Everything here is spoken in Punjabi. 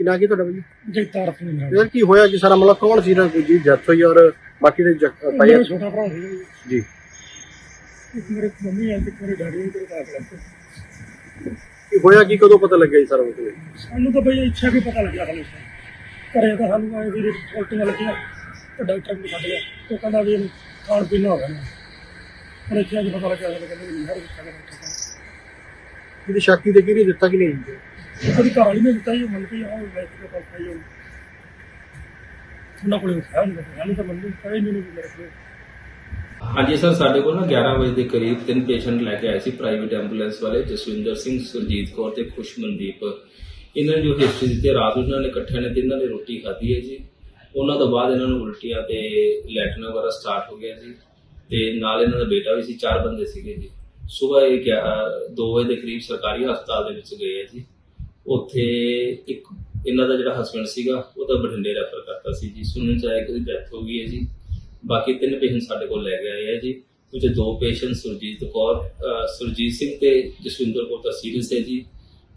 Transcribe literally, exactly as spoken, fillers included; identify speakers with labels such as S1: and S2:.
S1: ਨਾਂ ਕੀ ਤੁਹਾਡਾ ਭਾਈ?
S2: ਜਗਤਾਰ ਸਿੰਘ ਮੇਰਾ
S1: ਯਾਰ ਕੀ ਹੋਇਆ ਜੀ ਸਾਰਾ ਮਤਲਬ ਕੌਣ ਸੀ ਨਾ ਜੀ ਡੈਥ ਹੋਈ ਔਰ ਬਾਕੀ ਦੇ
S2: ਮੇਰਾ
S1: ਭਾਈ
S2: ਛੋਟਾ ਭਰਾ ਸੀ
S1: ਜੀ
S2: ਇੱਕ ਮੇਰੇ ਮੰਮੀ ਹੈ ਤੇ ਮੇਰੇ ਡੈਡੀ ਨੇ ਤੇਰੇ ਕਾਕ
S1: ਕੀ ਹੋਇਆ ਕੀ ਕਦੋਂ ਪਤਾ ਲੱਗਿਆ ਜੀ ਸਾਰਾ ਮਤਲਬ?
S2: ਸਾਨੂੰ ਤਾਂ ਬਈ ਇੱਛਾ ਵੀ ਪਤਾ ਲੱਗਿਆ ਸਾਨੂੰ ਘਰੇ ਤਾਂ ਸਾਨੂੰ ਆਏ ਵੀ ਉਲਟੀਆਂ ਲੱਗੀਆਂ ਤੇ ਡਾਕਟਰ ਨੂੰ ਸੱਦ ਲਿਆ ਉਹ ਕਹਿੰਦਾ ਵੀ ਇਹਨੂੰ ਖਾਣ ਪੀਣ ਹੋ ਗਿਆ ਨਾ ਪਰ ਇੱਛਾ ਵੀ ਪਤਾ ਲੱਗਿਆ ਸਾਨੂੰ ਕਹਿੰਦੇ ਵੀ ਹਰ ਕਿੱਥੇ ਦਾ
S1: ਇਹਦੀ ਸ਼ਕਤੀ ਤੇ ਕਿਹਨੇ ਦਿੱਤਾ ਕਿ ਨਹੀਂ ਜੀ?
S2: ਉਹਦੀ ਘਰ ਵਾਲੀ ਨੇ ਦਿੱਤਾ ਹੀ ਮੰਨ ਕੇ ਆਹ ਲੈ ਕੇ ਪਾਸ ਖਾਈ ਉਹ ਉਹਨਾਂ ਕੋਲ ਹੈ ਨਹੀਂ ਸਾਨੂੰ ਤਾਂ ਮੰਨ ਕਹੇ ਨਹੀਂ ਮੇਰੇ ਕੋਲ।
S3: ਹਾਂਜੀ ਸਰ, ਸਾਡੇ ਕੋਲ ਨਾ ਗਿਆਰਾਂ ਵਜੇ ਦੇ ਕਰੀਬ ਤਿੰਨ ਪੇਸ਼ੈਂਟ ਲੈ ਕੇ ਆਏ ਸੀ ਪ੍ਰਾਈਵੇਟ ਐਂਬੂਲੈਂਸ ਵਾਲੇ, ਜਸਵਿੰਦਰ ਸਿੰਘ, ਸੁਰਜੀਤ ਕੌਰ ਤੇ ਖੁਸ਼ਮਨਦੀਪ। ਇਹਨਾਂ ਨੇ ਜੋ ਹਿਸਟਰੀ ਦਿੱਤੀ, ਰਾਤ ਨੂੰ ਇਹਨਾਂ ਨੇ ਇਕੱਠਿਆਂ ਨੇ ਤਿੰਨਾਂ ਨੇ ਰੋਟੀ ਖਾਧੀ ਹੈ ਜੀ। ਉਹਨਾਂ ਤੋਂ ਬਾਅਦ ਇਹਨਾਂ ਨੂੰ ਉਲਟੀਆਂ ਤੇ ਲੈਟਰਿਨ ਵਗੈਰਾ ਸਟਾਰਟ ਹੋ ਗਿਆ ਜੀ ਤੇ ਨਾਲ ਇਹਨਾਂ ਦਾ ਬੇਟਾ ਵੀ ਸੀ, ਚਾਰ ਬੰਦੇ ਸੀਗੇ ਜੀ। ਸਵੇਰ ਇਹ ਗਿਆ ਦੋ ਵਜੇ ਦੇ ਕਰੀਬ ਸਰਕਾਰੀ ਹਸਪਤਾਲ ਦੇ ਵਿੱਚ ਗਏ ਆ ਜੀ। ਉੱਥੇ ਇੱਕ ਇਹਨਾਂ ਦਾ ਜਿਹੜਾ ਹਸਬੈਂਡ ਸੀਗਾ ਉਹ ਤਾਂ ਬਠਿੰਡੇ ਰੈਫਰ ਕਰਤਾ ਸੀ ਜੀ। ਸੁਣਨ ਚ ਆਇਆ ਕਿ ਉਹਦੀ ਡੈਥ ਹੋ ਗਈ ਹੈ ਜੀ। ਬਾਕੀ ਤਿੰਨ ਪੇਸ਼ੈਂਟ ਸਾਡੇ ਕੋਲ ਲੈ ਕੇ ਆਏ ਆ ਜੀ। ਕੁਝ ਦੋ ਪੇਸ਼ੈਂਟ ਸੁਰਜੀਤ ਕੌਰ ਸੁਰਜੀਤ ਸਿੰਘ ਤੇ ਜਸਵਿੰਦਰ ਕੌਰ ਤਾਂ ਸੀਰੀਅਸ ਹੈ ਜੀ।